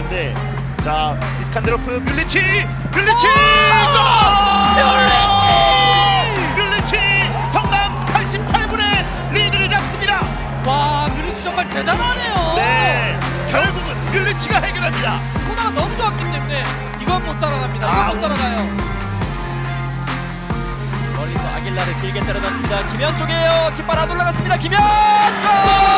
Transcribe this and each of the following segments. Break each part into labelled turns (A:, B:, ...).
A: 있는데 자 이스칸데로프 뮬리치 성남 88분의 리드를 잡습니다.
B: 와, 뮤리치 정말 대단하네요.
A: 네, 결국은 뮬리치가 해결합니다.
B: 코너가 너무 좋았기 때문에 이건 못 따라갑니다. 이건 못 따라가요.
C: 멀리서 아길라를 길게 때려놨습니다. 김현 쪽이에요. 깃발 안 올라갔습니다. 김현 골!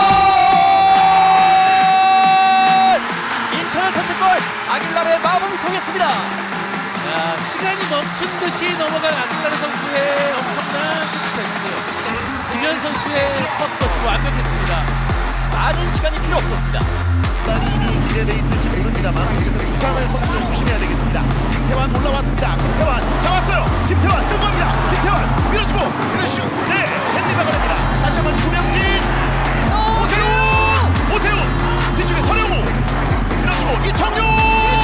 C: 인천의 선취골. 아길라의 마음을 통했습니다.
B: 시간이 멈춘 듯이 넘어간 아길라르 선수의 엄청난 슈퍼패스. 김현 선수의 스퍼트가 지금 완벽했습니다.
C: 많은 시간이 필요 없었습니다.
A: 이미 기대돼 있을지 모릅니다만 어쨌든 부상을 선수들 조심해야 되겠습니다. 김태환 올라왔습니다. 김태환 잡았어요. 김태환 뜬겁니다. 김태환 밀어주고 그대로 슛. 네, 헨리가 보냅니다. 다시 한번 구명진 오세훈 뒤쪽에 서령우 밀어주고 이청용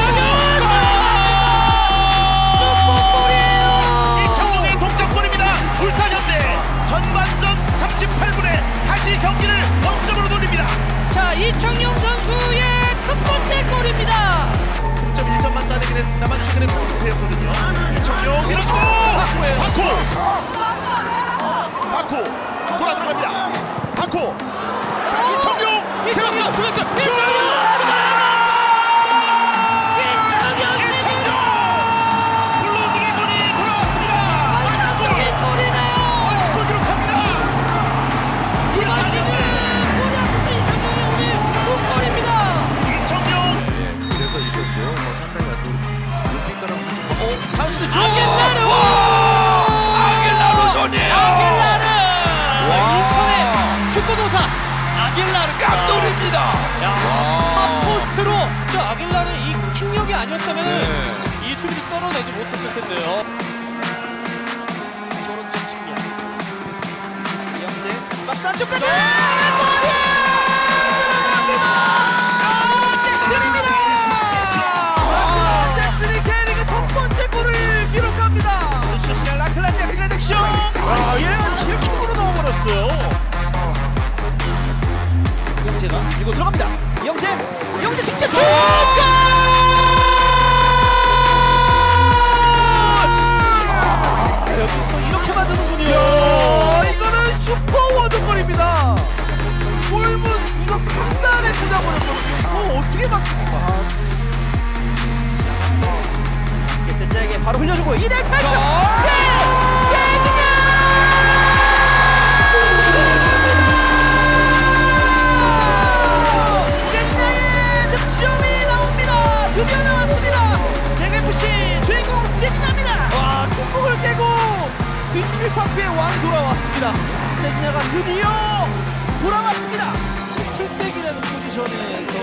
A: 이청용의 동점골입니다. 울산현대 전반전 38분에 다시 경기를 원점으로 돌립니다.
B: 자, 이청용 선수의 첫 번째 골입니다.
A: 0.1점만 따내긴 했습니다만 최근에 포스트였거든요. 이청용 밀어주고 바코 돌아 들어갑니다. 바코 이청용 세웠어 슛! 블루 드래곤이 돌아왔습니다. 골 기록합니다. 이청용
D: 그래서 이 선수 상당히 아주 눈빛가람 선수
C: 찬스도 줘. 아길라르 존이에요.
B: 인천의 축구도사 아길라르
C: 깜놀입니다.
B: 포스트로 저 아길라르의 이 킥력이 아니었다면 이 수비를 떨어내지 못했을 텐데요.
C: 오른쪽 측면. 이영재 박스 안쪽까지. 잭슨이 K리그 첫 번째 골을 기록합니다. 소시al 라클라 잭슨의 득점. 얘는 킬킥으로 넣어버렸어요. 이영재가 밀고 들어갑니다. 이영재 직접 슛! 여기서 이렇게 만드는군요. 이거는 슈퍼 워드골입니다. 골문 구석 상단에 꽂아버렸거든요. 이거 어떻게 막습니까? 세자에게 바로 흘려주고 이대 패스! 세진야의 득점이 나옵니다. 드디어 나왔습니다. 대FC 주인공 세진야입니다. 와, 축복을 깨고 뒤집이 파크의 왕이 돌아왔습니다. 세진야가 드디어 돌아왔습니다. 풀백이라는 포지션에서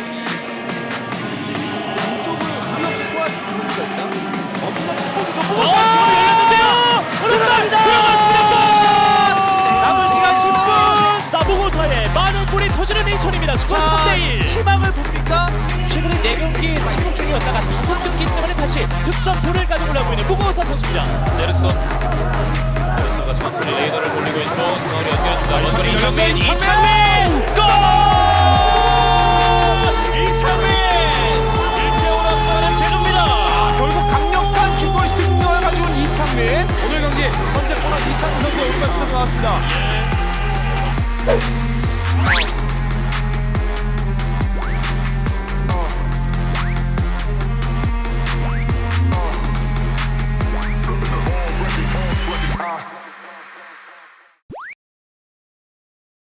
C: 이쪽을 우리 없이 소화할 수가 있다. 엄청난 축복이 좀 열렸는데요. 들어갔습니다. 남은 시간 10분. 자, 무고사에 많은 골이 터지는 인천입니다. 스코어 3대1. 희망을 봅니까? 최근에 4경기 침묵 중이었다가 5경기째만에 다시 득점포를 가져오려고 있는 무고사 선수입니다. 네르소가 천천히 레이더를 돌리고 있고 중앙으로 연결해줍니다. 원거리 이창민! 골! 이창민! 1대5로 앞서가는 제주입니다.
D: 결국 강력한 슈퍼스틱 능력을 가지고 온 이창민 오늘 경기 선제 코너 이창민 선수의 오른발 끝에서 나왔습니다.